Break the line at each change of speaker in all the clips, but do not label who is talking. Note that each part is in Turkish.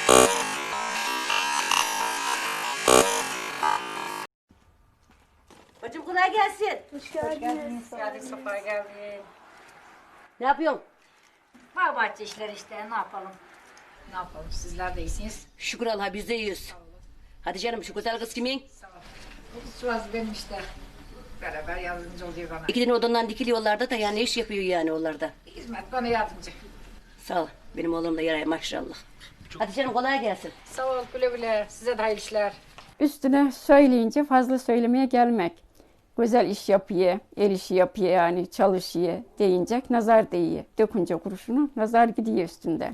Bacım kolay gelsin.
Hoş geldiniz. Geldik, sefa geldin.
Ne yapıyorsun?
Var bahçe işleri işte, ne yapalım? Ne yapalım, sizler de iyisiniz.
Şükür Allah'a biz de iyiyiz. Hadi canım şu güzel kız kimin?
Sağ ol. Bu Suaz benim işte. Beraber yardımcı oluyor bana.
İki tane odandan dikiliyorlarda da yani ne iş yapıyor yani onlarda?
Hizmet bana yardımcı.
Sağ ol. Benim oğlum da yaraya maşallah. Hadi canım kolay gelsin.
Sağ ol, güle güle. Size de hayırlı işler.
Üstüne söyleyince fazla söylemeye gelmek. Güzel iş yapıyor, el işi yapıyor yani çalışıyor deyince nazar değiyor. Dökünce kuruşunu nazar gidiyor üstünden.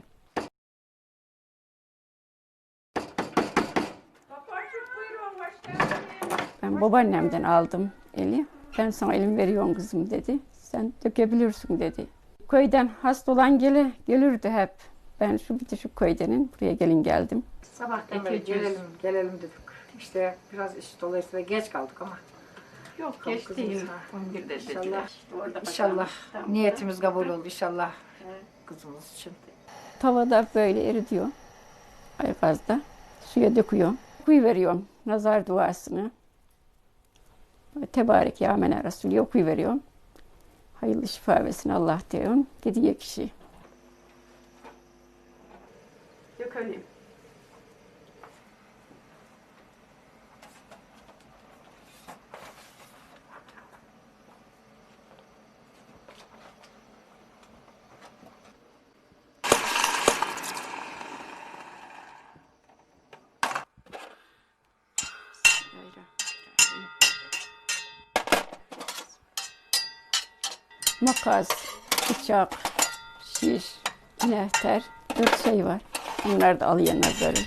Ben babaannemden aldım eli. Ben sana elimi veriyorum kızım dedi. Sen dökebilirsin dedi. Köyden hasta olan gelirdi hep. Ben şu köydenin buraya geldim.
Sabahtan beri gelelim dedik. İşte biraz iş dolayısıyla geç kaldık ama.
Yok
geç değil. İnşallah niyetimiz kabul oldu inşallah kızımız için.
Tavada böyle eritiyor. Aygazda. Suya döküyor. Okuyuveriyorum nazar duasını. Tebarek ya mene Resulü okuyuveriyorum. Hayırlı şifa versin Allah diyorum. Gidiyor kişi. Dökelim. Makas, bıçak, şiş, nehter, 4 şey var. Bunlar da alıyor nazarı.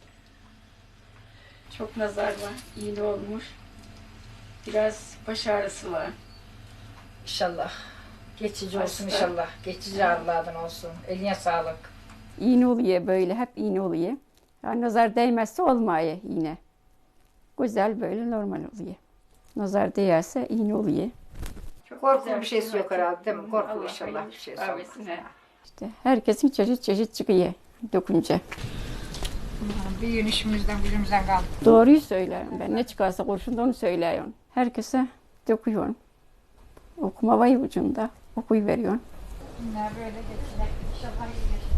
Çok nazar var, iğne olmuş. Biraz baş ağrısı var.
İnşallah. Geçici olsun inşallah. Geçici ağrılardan olsun. Eline sağlık.
İğne oluyor böyle, hep iğne oluyor. Yani nazar değmezse olmuyor iğne. Güzel böyle normal oluyor. Nazar değerse iğne oluyor.
Korkulu bir şeysi yok herhalde değil mi? Korkulu inşallah bir şeysi olmaz.
İşte herkesin çeşit çıkıyor dökünce.
Bir gün işimizden gücümüzden kaldı.
Doğruyu söylüyorum ben. Ne çıkarsa kurşunda onu söylüyorum. Herkese döküyorum. Okuma var ucunda. Okuyuveriyorum.
Günler böyle geçecek. İnşallah iyi geçecek.